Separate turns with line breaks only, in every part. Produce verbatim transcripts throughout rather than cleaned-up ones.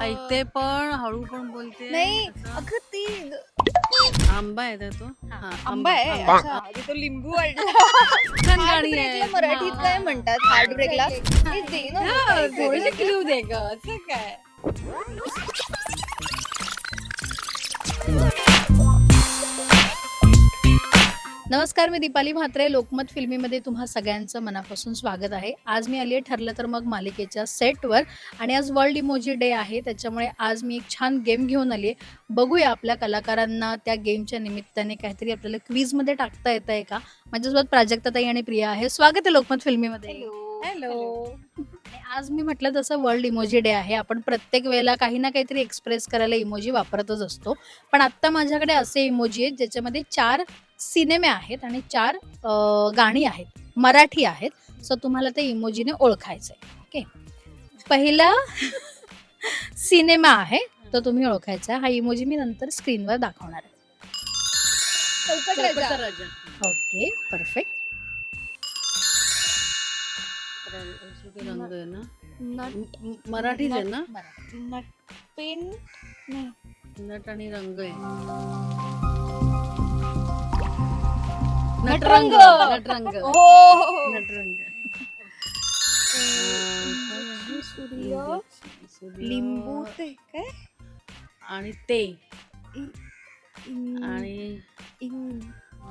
ऐकते पण हळू पण बोलते.
नाही
असं.
अगं ती
आंबा आहे का तो? हा,
आंबा आहे.
आंबा.
अच्छा, आधी तो लिंबू वाढला.
छान
हार्ट
गाणी आहे.
ब्रेकला मराठीत
हा,
काय
हा.
म्हणतात? हार्ट ब्रेकला हे दे ना
हा,
काहीतरी.
थोडीशी क्लू दे ग. असं काय?
नमस्कार, मी दीपाली म्हात्रे. लोकमत फिल्मीमध्ये तुम्हा सगळ्यांचं मनापासून स्वागत आहे. आज मी आली आहे ठरलं तर मग मालिकेच्या सेटवर आणि आज वर्ल्ड इमोजी डे आहे. त्याच्यामुळे आज मी एक छान गेम घेऊन आली आहे. बघूया आपल्या कलाकारांना त्या गेमच्या निमित्ताने काहीतरी आपल्याला क्वीजमध्ये टाकता येतं आहे का. माझ्यासोबत प्राजक्ताताई आणि प्रिया आहे. स्वागत आहे लोकमत फिल्मीमध्ये.
हॅलो.
आणि आज मी म्हटलं तसं वर्ल्ड इमोजी डे आहे. आपण प्रत्येक वेळेला काही ना काहीतरी एक्सप्रेस करायला इमोजी वापरतच असतो. पण आत्ता माझ्याकडे असे इमोजी आहेत ज्याच्यामध्ये चार सिनेमे आहेत आणि चार अं, गाणी आहेत, मराठी आहेत. सो तुम्हाला ते इमोजीने ओळखायचं आहे. ओके, पहिला सिनेमा आहे तो तुम्ही ओळखायचा. हा इमोजी मी नंतर स्क्रीनवर दाखवणार आहे.
चौकट
चौकटचा
राजा.
राजा.
Okay, perfect.
र- रंग आहे ना.
नट
म- मराठीच आहे ना.
नटपेन नाही.
नट आणि रंग आहे.
नटरंग.
नटरंग.
हो हो, हो.
नटरंग.
सूर्य
सूर्य.
लिंबू ते काय
आणि ते
इन-
आणि
इन-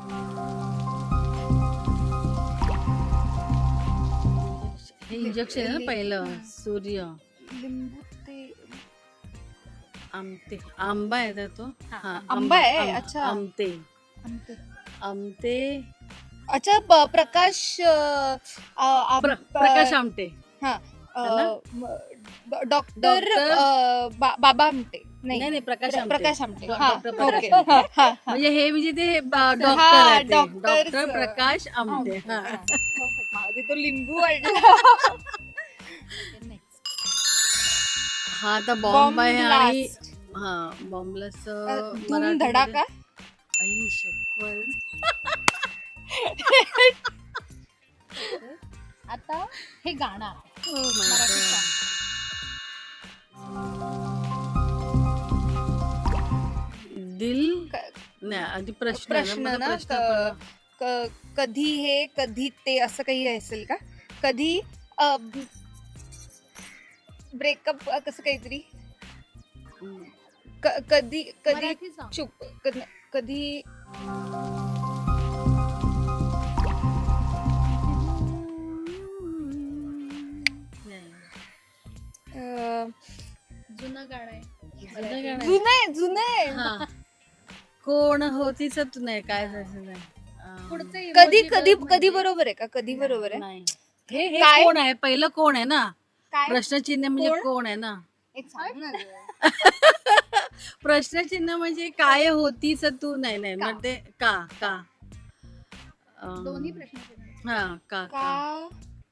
हे इंजेक्शन आहे ना पहिलं. सूर्य.
लिंबू ते
आमते. आंबा आहे का तो? हा,
आंबा आहे.
आंबा.
अच्छा.
आमते.
आमते.
आमते.
अच्छा, प- प्रकाश अ, अ, आम-
प्र- प्रकाश आमटे.
हा अ,
है ना?
म- ड- डॉक्टर
डॉक्टर-
अ, बा- बाबा आमटे
नाही
नाही
नाही प्रकाश
प्र-
आमटे.
प्रकाश आमटे.
डॉ-
हा,
डॉक्टर प्रकाश
ओके.
आमटे.
हा, हा, हा.
म्हणजे हे म्हणजे ते डॉक्टर
हा,
आहे ते.
डॉक्टरचं.
डॉक्टर प्रकाश आमटे. हा.
आधी तो लिंबू वाढला.
हा आता बॉम्ब
बॉम्ब
आहे आणि
ब्लास्ट.
हा बॉम्बलेस
धूम धडाका.
आई शपथ.
आता हे गाणं आहे.
Oh my
Marathi
God.
song.
दिल
क-
नाही आधी प्रश्न आहे
प्रश्न
ना.
ना
मला प्रश्न पण-
क- क- कधी हे कधी ते असं काही असेल का? कधी ब्रेकअप कसं काहीतरी
हम्म.
क- कधी कधी
मराठी song.
चुप कधी कधी
नाही.
अ,
जुनं गाणं आहे.
जुनं गाणं आहे.
जुनं आहे जुनं आहे.
हा. कोण होतीच तू नाही काय झालं नाही. अं,
पुढचं emoji
कधी
बघ
कधी
म्हणजे-
कधी बरोबर आहे का? कधी बरोबर आहे?
नाही. हे हे
काय?
कोण आहे पहिलं कोण आहे ना.
काय
प्रश्नचिन्ह म्हणजे
कोण?
कोण आहे ना.
एक सांग ना गं.
प्रश्नचिन्ह म्हणजे काय होतीच तू नाही नाही
का?
मग ते का का अं,
दोन्ही प्रश्न विचारायचे.
हा का का
का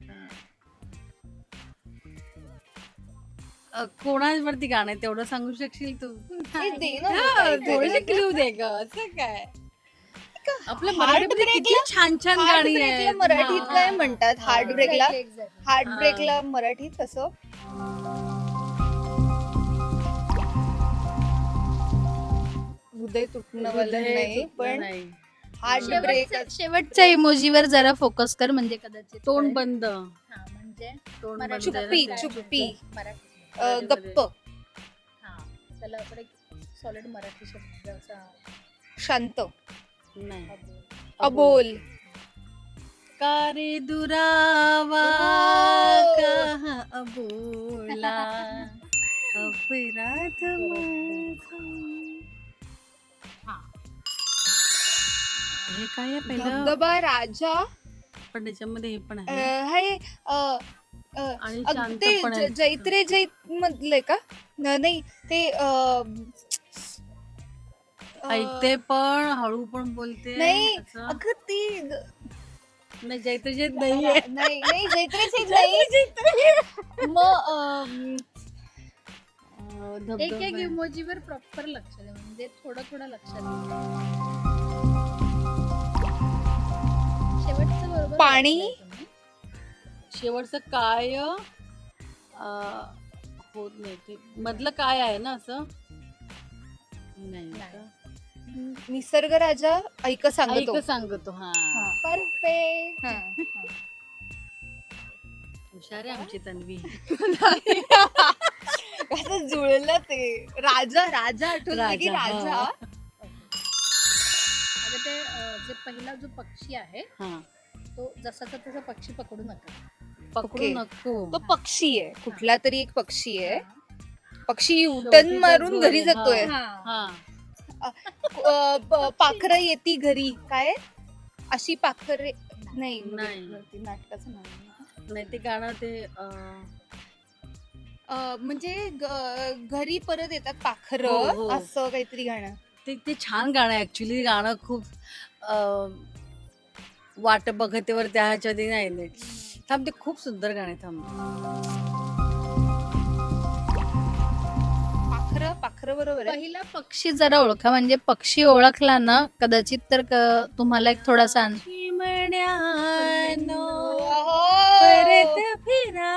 अं, कोणावरती गाणं आहे तेवढं सांगू शकशील तू.
हे दे ना
हा,
काहीतरी.
थोडीशी क्लू दे ग. असं काय आपल्या
Heart
मराठीमध्ये
break
किती
ला-
छान छान
हार्ट
गाणी
ब्रेकला
आहेत.
मराठीत
हा.
काय म्हणतात? हार्ट
हा.
ब्रेकला
Exactly, exactly.
हार्ट
हा.
ब्रेकला मराठीत कसं? हृदय तुटणं वालं
हृदय
नाही
तुटलं
पण
नाही.
हार्ट ब्रेक
शेवटच्या- शेवटच्या इमोजीवर जरा फोकस कर म्हणजे कदाचित
तोंड
कळेल.
बंद.
हा, म्हणजे
तोंड
मराठी-
बंद
चुप्पी
आहे.
चुप्पी
मराठी.
अ, गप्प
हा, त्याला आपण सॉलिड मराठी शब्दाचा
शांत
नाही.
अबोल
का रे दुरावा
हो.
का अबोला अपराध माझा.
हा.
हे काय आहे पहिलं
धबधबा राजा
पण त्याच्यामध्ये हे पण
अ,
आहे
हे अ, अ,
आणि
अग-
शांत
ते
पण आहे.
ज- जैत्रे जैत मधले का? न- नाही ते अ, अ,
ऐकते पण हळू पण बोलते.
नाही
असं.
अगं ती
नाही जैत्र जैत नाहीये.
नाही नाही जैत्रे जैत नाही मग अम,
अं,
एक
धबधबा
एक
आहे.
इमोजीवर प्रॉपर लक्ष दे, म्हणजे थोडं थोडं लक्षात दे. शेवटचं बरोबर
पाणी?
वाचलंय तुम्ही.
शेवटचं काय अं, होत नाही ते मधलं काय आहे ना असं नाही
नाही.
का?
निसर्ग राजा ऐक सांगतो
ऐक सांगतो हा
परफेक्ट
हुशार आहे आमची तन्वी.
कसं जुळलं ते राजा राजा आठवलं की
राजा,
राजा
हा.
आता ते अं, जे पहिला जो पक्षी आहे
हा
तो जसाचा तसा पक्षी पकडू नका.
पकडू
Okay.
नको.
तो पक्षी आहे कुठला तरी एक पक्षी आहे
हा.
पक्षी
शेवटी
उटन
तो
मारून
जो
घरी
आहे,
जातोय
हा.
हा
पाखर येती घरी काय अशी पाखर नाही
नाही.
म्हणजे नाटकाचं नाव आहे.
नाही ते गाणं ते अं,
अं, म्हणजे ग- घरी परत येतात पाखर
हो, हो.
असं काहीतरी गाणं
ते ते छान गाणं आहे ऍक्च्युली गाणं खूप अं, वाट बघतेवर त्या ह्याच्या आधी नाही नाही थांब ते खूप सुंदर गाणं आहे थांब.
पाखर पाखर बरोबर आहे
पहिला पक्षी जरा ओळखा म्हणजे पक्षी ओळखला ना कदाचित तर क- तुम्हाला एक थोडासा अन-
चिमण्यानो
ओहो.
परत फिरा.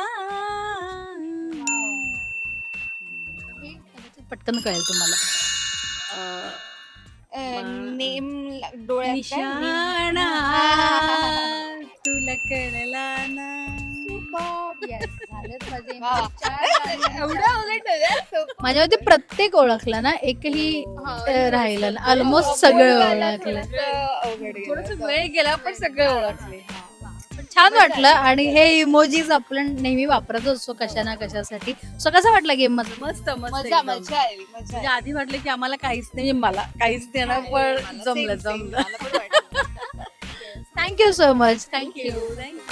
हे कदाचित पटकन कळेल तुम्हाला.
अं,
अं, नेम ला- डोळ्यात काय? नेम.
निशाणा
हा.
तुला कळला ना.
Yes, झालेत माझे
वा.
चार गाणी.
एवढं अवघड नाही सोपं.
माझ्या मते प्रत्येक ओळखला ना एकही अं, राहिलं ऑलमोस्ट सगळं ओळखलं.
थोडंसं अवघड गेलं.
थोडस वेळ गेला पण सगळे ओळखले.
पण छान वाटलं आणि हे इमोजीज आपण नेहमी वापरत असतो कशा ना कशासाठी. सो कसा वाटला गेम मध्ये?
मस्त मस्त
मजा
एकदम.
मजा आली मजा
म्हणजे
आली.
आधी वाटलं की आम्हाला काहीच नाही मला काहीच देणार
मला
पण जमलं
same, same.
जमलं.
मला पण वाटलं.
Thank you so much.
Thank you thank you